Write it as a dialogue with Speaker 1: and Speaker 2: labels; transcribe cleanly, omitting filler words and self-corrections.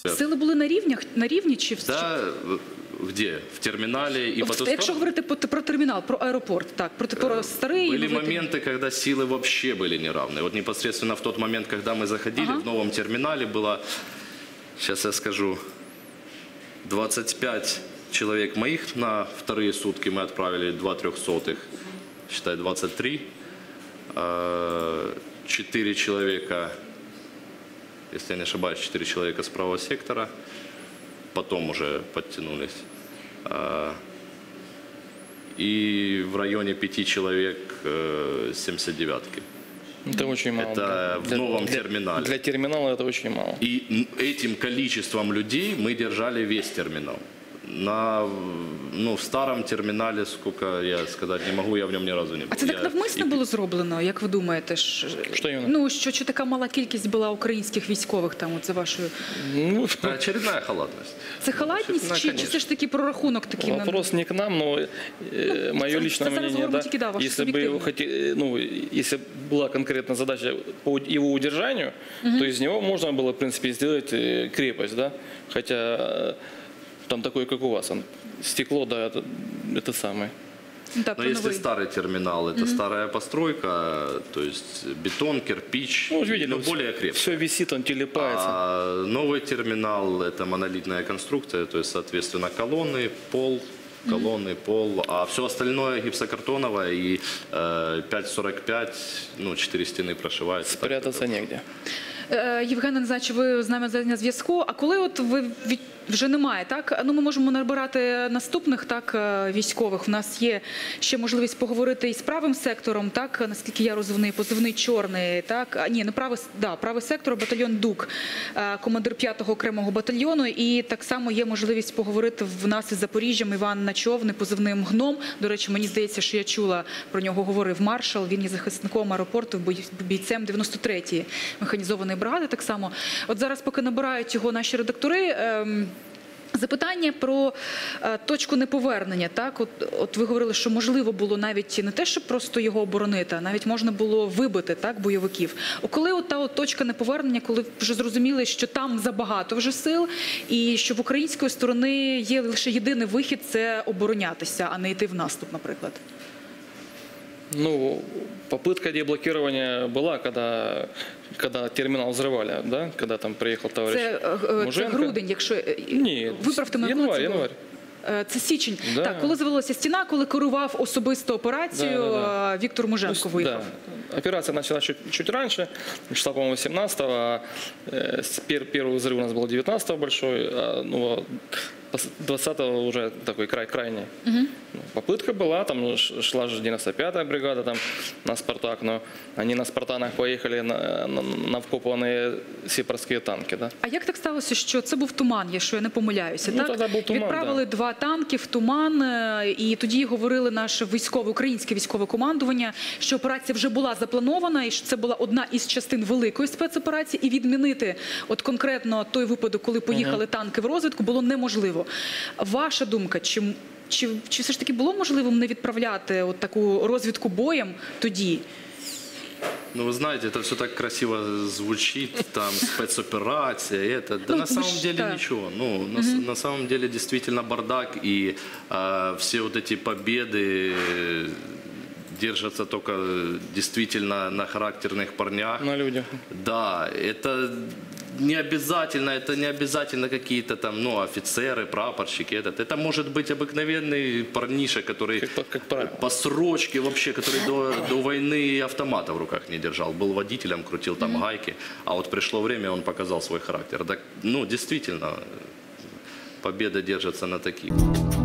Speaker 1: Сили були на рівні чи
Speaker 2: Да, где? В терминале и по ту сторону?
Speaker 1: Якщо говорити про термінал, про аеропорт, так, про старий...
Speaker 2: Были моменты, когда силы вообще были неравны. Вот непосредственно в тот момент, когда мы заходили, в новом терминале было, сейчас я скажу, 25 человек моих на вторые сутки мы отправили 2 300, считай, 23. 4 человека, если я не ошибаюсь, 4 человека с правого сектора, потом уже подтянулись. И в районе 5 человек 79-ки.
Speaker 3: Это очень мало.
Speaker 2: Это в новом терминале.
Speaker 3: Для терминала это очень мало.
Speaker 2: И этим количеством людей мы держали весь терминал. В старому терміналі, скільки я сказати не можу, я в ньому ні разу не був.
Speaker 1: А це так навмисно було зроблено, як ви думаєте? Що така мала кількість була українських військових там, от за вашою...
Speaker 2: Очередная халатність.
Speaker 1: Це халатність чи це ж таки прорахунок такий?
Speaker 3: Вопрос не к нам, но мое личное мнение, да, если была конкретная задача по его удержанию, то из него можно было, в принципе, сделать крепость, да, хотя... Там такой, как у вас, стекло, да, это самое.
Speaker 1: Да,
Speaker 2: но если старый терминал, это старая постройка, то есть бетон, кирпич,
Speaker 3: видели,
Speaker 2: более крепкий.
Speaker 3: Все висит, он телепается.
Speaker 2: А новый терминал – это монолитная конструкция, то есть, соответственно, колонны, пол, а все остальное гипсокартоновое и 5,45, 4 стены прошиваются.
Speaker 3: Спрятаться негде.
Speaker 1: Євген Назарович, ви з нами на зв'язку. А коли от ви вже немає, так? Ми можемо набирати наступних, так, військових. У нас є ще можливість поговорити із правим сектором, так, наскільки я розумію, позивний чорний, так? Ні, не правий сектор, батальйон ДУК, командир 5-го окремого батальйону. І так само є можливість поговорити в нас із Запоріжжям Іван Начовний, позивним Гном. До речі, мені здається, що я чула, про нього говорив маршал. Він є захисником аеропорту, бійцем 93-ї механізованої бригади так само. От зараз, поки набирають його наші редактори, запитання про точку неповернення. Так? От ви говорили, що можливо було навіть не те, щоб просто його оборонити, а навіть можна було вибити, так, бойовиків. Коли от та точка неповернення, коли вже зрозуміли, що там забагато вже сил, і що в української сторони є лише єдиний вихід – це оборонятися, а не йти в наступ, наприклад?
Speaker 3: Попытка деблокирования была, когда терминал взрывали, да? Когда там приехал товарищ Муженко.
Speaker 1: Це грудень, якщо...
Speaker 3: Ні,
Speaker 1: виправте мене, коли це було?
Speaker 3: январь.
Speaker 1: Це січень.
Speaker 3: Да.
Speaker 1: Так, коли завелася стіна, коли керував особисто операцію, Віктор Муженко виїхав.
Speaker 3: Да. Операция началась чуть раньше, числа, по-моему, 17-го, а первый взрыв у нас был 19-го большой, а 20-го уже такой крайний. Попытка была, там шла же 95-я бригада там, на «Спартак», но они на «Спартанах» поехали на вкопанные сепарські танки. Да?
Speaker 1: А як так сталося, що це був туман, якщо я не помиляюся? Так?
Speaker 3: Тоді був туман,
Speaker 1: відправили 2 танки в туман, і тоді говорили наше українське військове командування, що операція вже була запланована, і що це була одна із частин великої спецоперації, і відмінити от конкретно той випадок, коли поїхали танки в розвідку, було неможливо. Ваша думка, чи все ж таки було можливим не відправляти от таку розвідку боєм тоді?
Speaker 2: Вы знаете, это все так красиво звучит, там спецоперация, это. Да на самом деле ничего. На самом деле действительно бардак, и все вот эти победы держатся только действительно на характерных парнях.
Speaker 3: На людях.
Speaker 2: Да, это не обязательно какие-то там, офицеры, прапорщики. Это может быть обыкновенный парниша, который по срочке вообще, который до войны автомата в руках не держал. Был водителем, крутил там гайки, а вот пришло время, он показал свой характер. Так, действительно, победа держится на таких.